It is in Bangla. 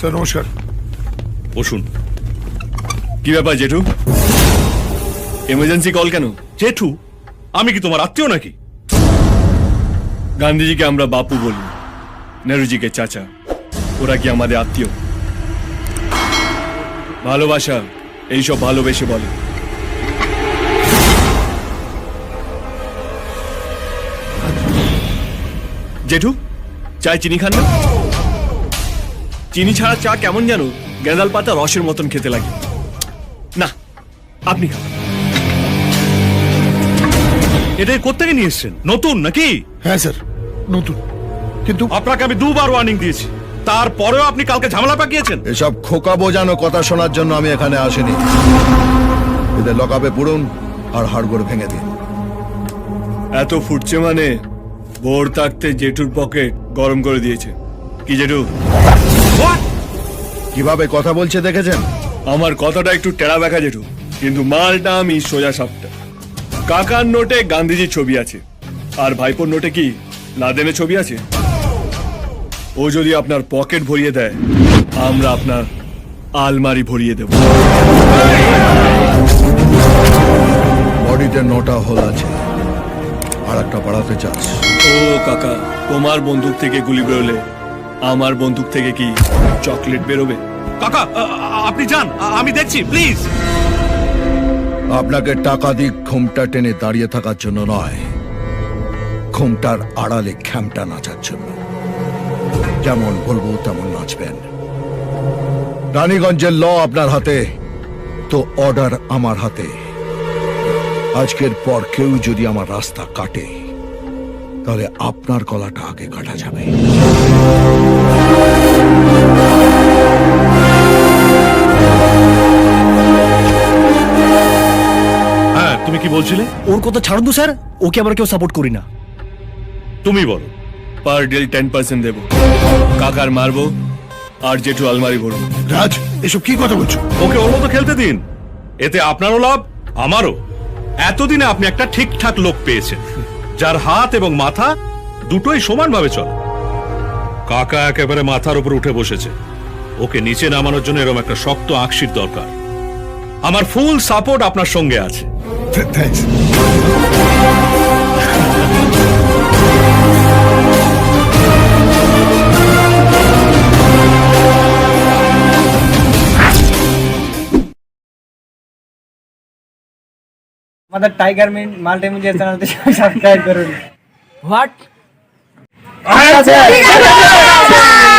স্যার নমস্কার। বসুন। কি ব্যাপার জেঠু, এমার্জেন্সি কল কেন? জেঠু, আমি কি তোমার আত্মীয় নাকি? গান্ধীজিকে আমরা বাপু বলি, নেহরুজিকে চাচা। ওরা কি আমাদের আত্মীয়? ভালোবাসা এইসব ভালোবেসে বলে। জেঠু, চায় চিনি খান না? চিনি ছাড়া চা কেমন যেন গেঁদাল পাতা রসের মতন খেতে লাগে। না, আপনি খান। এটাই কোত্থেকে নিয়ে এসছেন? নতুন নাকি? হ্যাঁ স্যার নতুন, কিন্তু আপনাকে আমি দুবার ওয়ার্নিং দিয়েছি, তারপরেও আপনি কালকে ঝামেলা পাকিয়েছেন। এসব খোকা বোঝানো কথা শোনার জন্য আমি এখানে আসিনি। এদের লকআপে পুরুন আর হাড়গোড় ভেঙে দিন। এত ফুটছে মানে ভোর থাকতে জেঠুর পকেট গরম করে দিয়েছে। কি জেঠু? কিভাবে কথা বলছে দেখেছেন? আমার কথাটা একটু টেরা ব্যাখা জেঠু, কিন্তু মালটা আমি সোজা সাপটা। কাকার নোটে গান্ধীজির ছবি আছে, আর ভাইপোর নোটে কি লাদেনের ছবি আছে? ও যদি আপনার পকেট ভরিয়ে দেয়, আমরা আপনার আলমারি ভরিয়ে দেব। বডিতে 9টা হোল আছে, আর একটা বাড়াতে চাস? ও কাকা, তোমার বন্দুক থেকে গুলি বেরোলে আমার বন্দুক থেকে কি চকলেট বেরোবে? কাকা, আপনি যান, আমি দেখছি, প্লিজ। আপনাকে টাকা দিক ঘুমটা টেনে দাঁড়িয়ে থাকার জন্য নয়, ঘুমটার আড়ালে খ্যামটা নাচার জন্য। যেমন বলবো তেমন নাচবেন। রানীগঞ্জের ল আপনার হাতে, তো অর্ডার আমার হাতে। আজকের পর কেউ যদি আমার রাস্তা কাটে, তাহলে আপনার গলাটা আগে কাটা যাবে। হ্যাঁ, তুমি কি বলছিলে? ওর কথা ছাড়ুন তো স্যার, ওকে আমরা কেউ সাপোর্ট করি না। তুমি বলো। পার ডে 10% দেবো। কাকার মারবো আর জেঠু আলমারি ভরবো। রাজ এসব কি কথা বলছো? ওকে ওর মতো খেলতে দিন, এতে আপনারও লাভ আমারও। এতদিনে আপনি একটা ঠিকঠাক লোক পেয়েছেন, যার হাত এবং মাথা দুটোই সমানভাবে চলে। কাকা একেবারে মাথার উপর উঠে বসেছে, ওকে নিচে নামানোর জন্য এরকম একটা শক্ত আকশির দরকার। আমার ফুল সাপোর্ট আপনার সঙ্গে আছে। থ্যাঙ্কস। আমাদের টাইগার মাল্টিমিডিয়া চ্যানেলটি সাবস্ক্রাইব করুন। হোয়াট? আচ্ছা